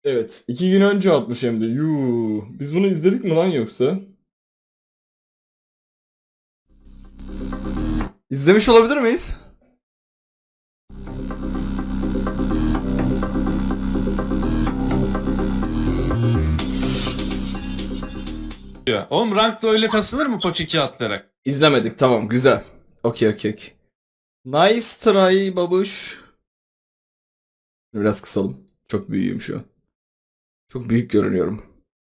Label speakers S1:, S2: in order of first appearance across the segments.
S1: Evet. 2 gün önce atmış hem de. Yuu. Biz bunu izledik mi lan yoksa? İzlemiş olabilir miyiz?
S2: Ya. Oğlum rankta öyle kasılır mı poç 2 atlayarak?
S1: İzlemedik. Tamam. Güzel. Okey. Nice try babuş. Biraz kısalım. Çok büyüğüm şu an. Çok büyük görünüyorum.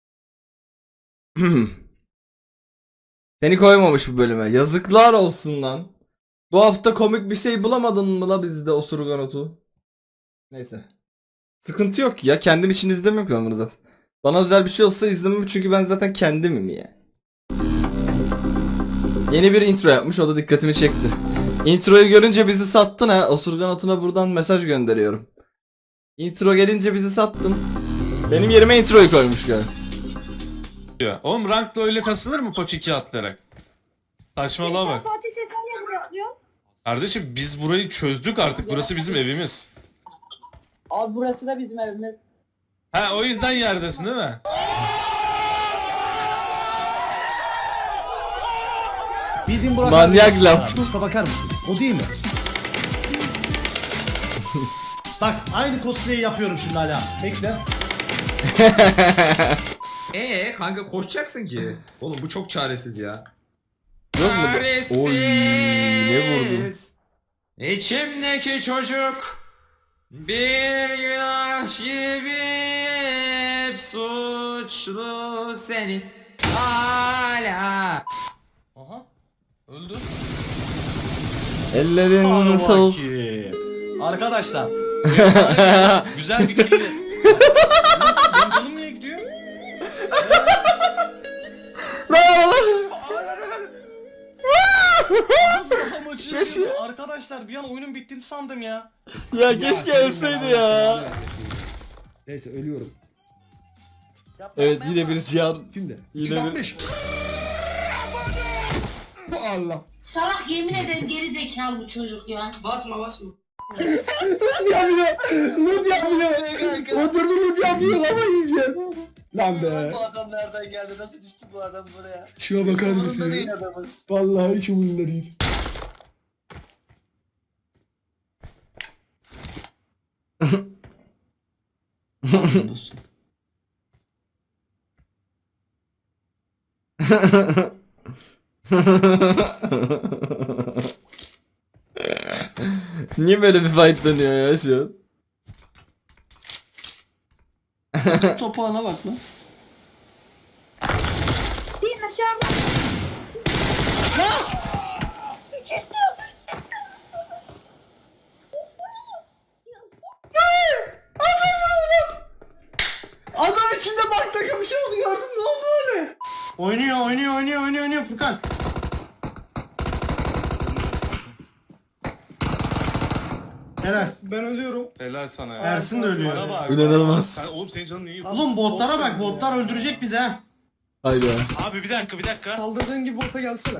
S1: Seni koymamış bu bölüme. Yazıklar olsun lan. Bu hafta komik bir şey bulamadın mı la bizde osurgan otu? Neyse. Sıkıntı yok ya. Kendim için izlemiyorum ki ben bunu zaten. Bana özel bir şey olsa izlemem çünkü ben zaten kendimim ya. Yeni bir intro yapmış, o da dikkatimi çekti. Introyu görünce bizi sattın ha. Osurgan otuna buradan mesaj gönderiyorum. Intro gelince bizi sattın. Benim yerime introyu koymuş galiba.
S2: Ya. Oğlum rankta öyle kasılır mı poç 2 atlayarak? Saçmalığa bak.
S3: Fatih sen niye buraya atlıyorsun?
S2: Kardeşim biz burayı çözdük artık. Burası bizim evimiz.
S3: Abi burası da bizim evimiz.
S2: Ha o yüzden yerdesin değil mi?
S4: Bildiğin Burak
S1: Manyak
S4: abi.
S1: laf.
S4: Şuna bakar mısın? O değil mi? Bak aynı cosplay'i yapıyorum şimdi hala. Bekle.
S5: Kanka koşacaksın ki. Oğlum bu çok çaresiz ya.
S1: Yok mu? Oy, ne vurdun?
S5: İçimdeki çocuk bir günah gibi hep suçlu senin hala.
S2: Aha. Öldü.
S1: Ellerin soğuk.
S4: Arkadaşlar.
S2: Güzel bir kill. Benim canım niye gidiyor?
S1: Keşke-
S4: Arkadaşlar bir an oyunun bittiğini sandım ya.
S1: Ya keşke ölseydi ya.
S4: Neyse ölüyorum.
S1: Evet yine bir cihan.
S4: Şimdi.
S1: Yine bir...
S4: Allah.
S6: Salak yemin ederim geri zekalı bu çocuk ya. Basma.
S4: Lan be.
S3: Bu adam nereden geldi? Nasıl düştü bu adam buraya?
S4: Şuna bakar
S3: Umurunda
S4: mısın?
S3: değil adamın.
S4: Vallahi hiç umurumda değil.
S1: Niye böyle bir fight dönüyor ya şu an?
S4: Topağına bak lan.
S3: Değil aşağıda.
S4: Adam içinde bak takım bir şey oldu gördün mü? Ne oldu öyle? Oynuyor Furkan. Helal. Ben ölüyorum.
S2: Helal sana ya.
S4: Ersin de ölüyor.
S2: Bana bak.
S1: İnanılmaz.
S2: Sen, oğlum senin canın iyi.
S4: Oğlum botlara bak, botlar öldürecek bizi ha.
S1: Haydi.
S2: Abi bir dakika.
S4: Kaldırdığın gibi bota gelsene.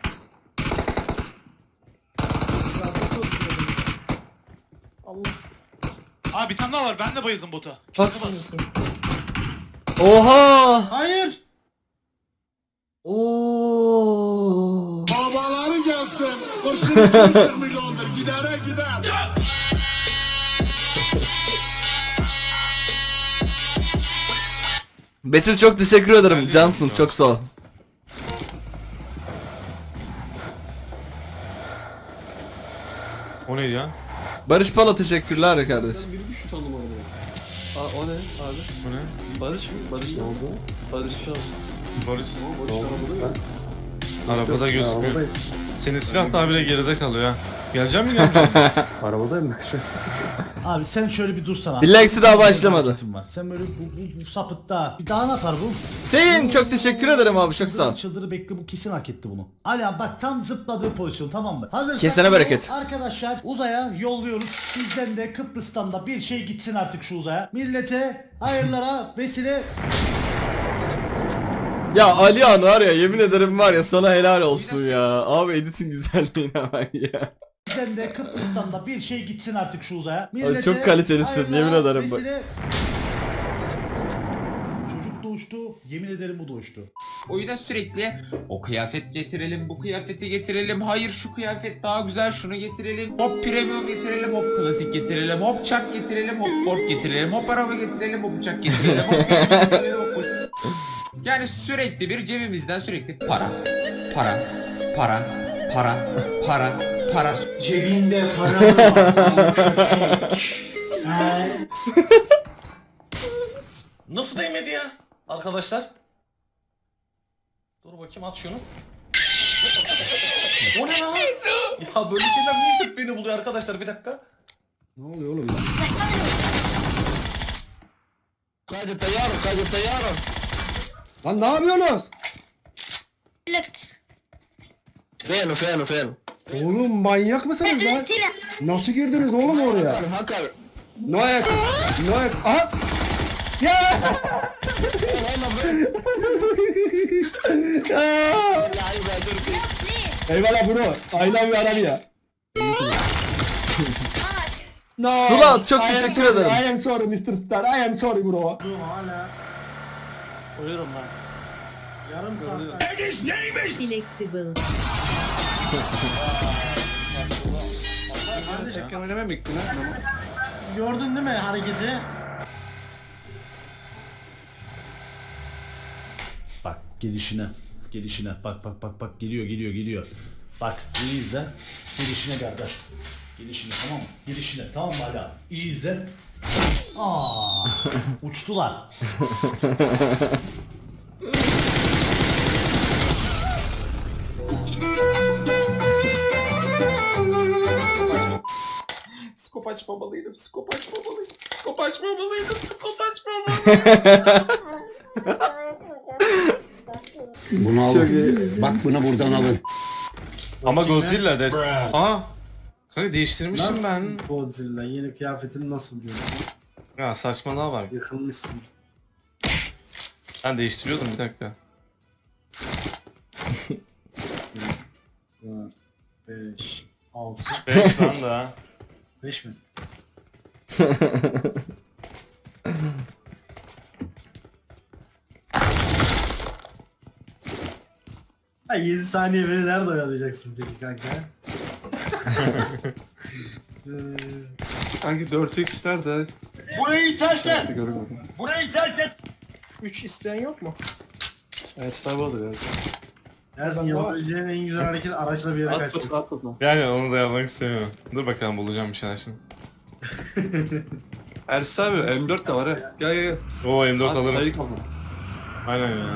S4: Allah.
S7: Abi bir tane daha var. Ben de bayıldım bota.
S1: Bas. Oha!
S4: Hayır.
S1: Oo!
S8: Babaları gelsin. Kurşun 2,5 milyondur. Gidere gider.
S1: Betül çok teşekkür ederim.
S2: Geldi
S1: Cansın
S2: mi?
S1: çok sağ ol.
S2: O neydi ya?
S1: Barış Pala teşekkürler kardeşim.
S4: Biri düştü sandım orada.
S9: Aa, o ne abi?
S2: Bu ne?
S9: Barış mı? Barış ne oldu? Barış şu an.
S2: Barış.
S9: Barış arabada yok.
S2: Arabada gözükmüyor.
S9: arabadayım.
S2: Senin silah daha bile geride kalıyor ha. Gelecek mi gelmeyecek mi?
S9: Arabadayım ben şu an.
S4: Abi sen şöyle bir dursana.
S1: Billahi daha başlamadı.
S4: Hareketin var. Sen böyle bu sapıtta. Bir daha ne yapar bu?
S1: Hüseyin çok teşekkür ederim abi çok sağ ol.
S4: Çıldırı bekle, bu kesin hak etti bunu. Ali abi bak tam zıpladığı pozisyon, tamam mı? Hazırsak
S1: Kesene bereket.
S4: arkadaşlar uzaya yolluyoruz. Sizden de Kıbrıs'tan da bir şey gitsin artık şu uzaya. Millete hayırlara vesile.
S1: Ya Alihan var ya yemin ederim var ya sana helal olsun ya. Abi editin güzelliğine bak ya.
S4: Bizden de Kıbrıs'tan da bir şey gitsin artık şu uzaya.
S1: çok kalitelisin,
S4: hayırlara
S1: yemin ederim bak.
S4: vesile. uçtu. Yemin ederim bu da uçtu.
S5: Oyuna sürekli o kıyafet getirelim, bu kıyafeti getirelim, hayır şu kıyafet daha güzel, şunu getirelim, hop premium getirelim, hop klasik getirelim, hop çak getirelim, hop Ford getirelim, hop araba getirelim, hop uçak getirelim, hop getirelim, hop uçak. Yani sürekli bir cebimizden sürekli para, para, para, para, para, para.
S4: Cebinde para var.
S7: Nasıl değmedi ya? Arkadaşlar. Dur bakayım at şunu. O ne lan? Ya böyle şeyler niye hep beni buluyor arkadaşlar, bir dakika.
S9: Ne oluyor oğlum ya? Lan ne yapıyorsunuz? Oğlum manyak mısınız lan? Nasıl girdiniz oğlum oraya? Noyak. Noyak. Aha. Ya! Eyvallah bro. I love you Arabia. No.
S1: Sıla, çok
S9: I am
S1: teşekkür
S9: sorry,
S1: ederim.
S9: I am sorry Mr. Star. I am sorry bro.
S4: Hala.
S7: Uyurum lan.
S4: Yarım saat.
S6: Flexible.
S9: Tekken oynamaya mı gittin ha?
S4: Gördün değil mi hareketi? Bak gelişine. Gelişine. Bak geliyor. Bak iyi izle. Gelişine kardeş. Gelişine tamam mı? Gelişine tamam mı hala? İyi izle. Aa, uçtular.
S5: Skop açmamalıydım, skop açmamalıydım, skop açmamalıydım, skop açmamalıydım.
S8: Bunu
S1: Çok iyi.
S8: Bak bunu buradan alın.
S2: Ama Godzilla des. Aa. Kanka değiştirmişim ben.
S4: Godzilla yeni kıyafetin nasıl diyor?
S2: Ya saçmalığa bak.
S4: Yıkılmışsın.
S2: Ben değiştiriyordum, bir dakika.
S4: 5, 6,
S2: 5 lan da.
S4: 5 mi? Ha 7 saniye beni nerede oyalayacaksın peki kanka?
S9: Sanki 4x nerede?
S7: Burayı terk et!
S9: Görmedim.
S7: Burayı terk et!
S9: 3 isteyen yok mu? Evet sahibi olur ya.
S4: Ersin yapabileceğin en güzel hareket araçla bir yere kaçmak.
S9: Atlasın.
S2: Yani onu da yapmak istemiyorum. Dur bakalım, bulacağım bir şeyler şimdi.
S9: Ersin abi M4 de var ha. Gel.
S2: Oo M4 alırım.
S9: Sayı kaldı.
S2: Aynen ya.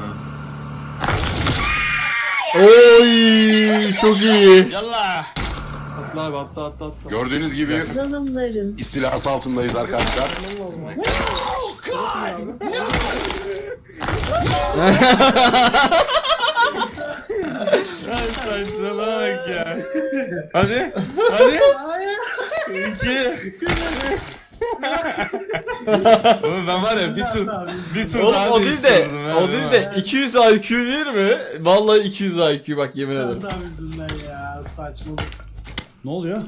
S1: Oy, çok iyi.
S2: Yallah.
S9: Atla abi atla.
S8: Gördüğünüz gibi
S6: Zalımların.
S8: istilası altındayız arkadaşlar.
S2: Ay saçmalama bak ya. Hadi. Hadi. İki. Oğlum ben var ya bir tur
S1: Oğlum
S2: daha
S1: o değil de,
S2: değiştirdim ha,
S1: o değil de 200 IQ değil mi? Vallahi 200 IQ bak yemin ederim.
S4: Tam yüzünden ya saçmalık. Ne oluyor?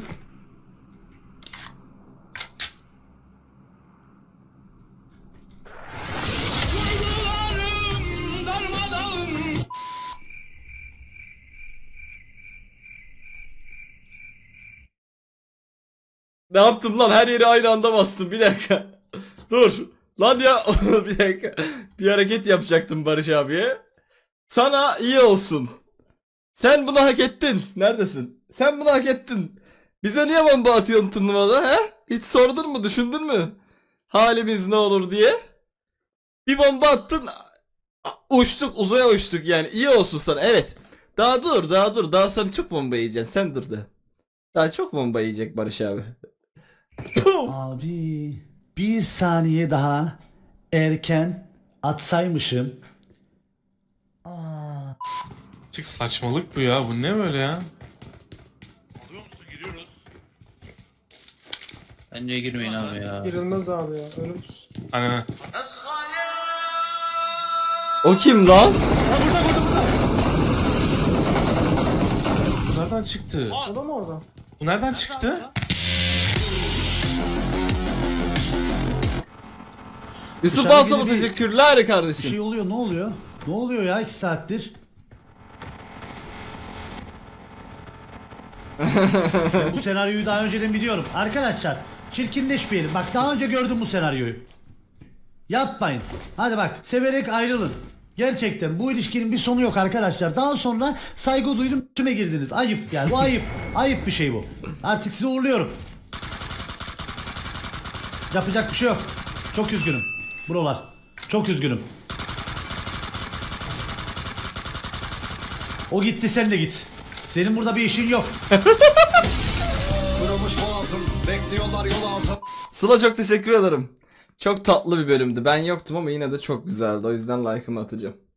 S1: Ne yaptım lan? Her yeri aynı anda bastım. Bir dakika. Dur. Lan ya bir dakika. Bir hareket yapacaktım Barış abiye. Sana iyi olsun. Sen bunu hak ettin. Neredesin? Sen bunu hak ettin. Bize niye bomba atıyorsun turnuvada he? Hiç sordun mu, düşündün mü? Halimiz ne olur diye. Bir bomba attın. Uçtuk, uzaya uçtuk yani. İyi olsun sana. Evet. Daha dur. Daha sen çok bomba yiyeceksin. Sen dur da. Daha çok bomba yiyecek Barış abi.
S4: Abi bir saniye daha erken atsaymışım. Aa.
S2: Çık, saçmalık bu ya. Bu ne böyle ya?
S7: Alıyor musun? Giriyoruz.
S10: Bence girmeyin abi ya.
S9: Girilmez abi ya. Ölümsüz.
S2: Hani
S1: O kim lan?
S2: bu nereden çıktı?
S9: O da mı orada?
S2: Bu nereden çıktı?
S1: Yusuf
S4: Dışarı
S1: Baltalı
S4: gidip-
S1: teşekkürler
S4: Bir
S1: kardeşim.
S4: şey oluyor, ne oluyor? Ne oluyor ya 2 saattir? Ben bu senaryoyu daha önceden biliyorum. Arkadaşlar çirkinleşmeyelim. Bak daha önce gördüm bu senaryoyu. Yapmayın. Hadi bak severek ayrılın. Gerçekten bu ilişkinin bir sonu yok arkadaşlar. Daha sonra saygı duydum üstüme girdiniz. Ayıp yani bu ayıp. Ayıp bir şey bu. Artık sizi uğurluyorum. Yapacak bir şey yok. Çok üzgünüm. Buralar. Çok üzgünüm. O gitti sen de git. Senin burada bir işin yok.
S8: Kırılmış boğazım, bekliyorlar yol ağzım.
S1: Sıla çok teşekkür ederim. Çok tatlı bir bölümdü. Ben yoktum ama yine de çok güzeldi. O yüzden like'ımı atacağım.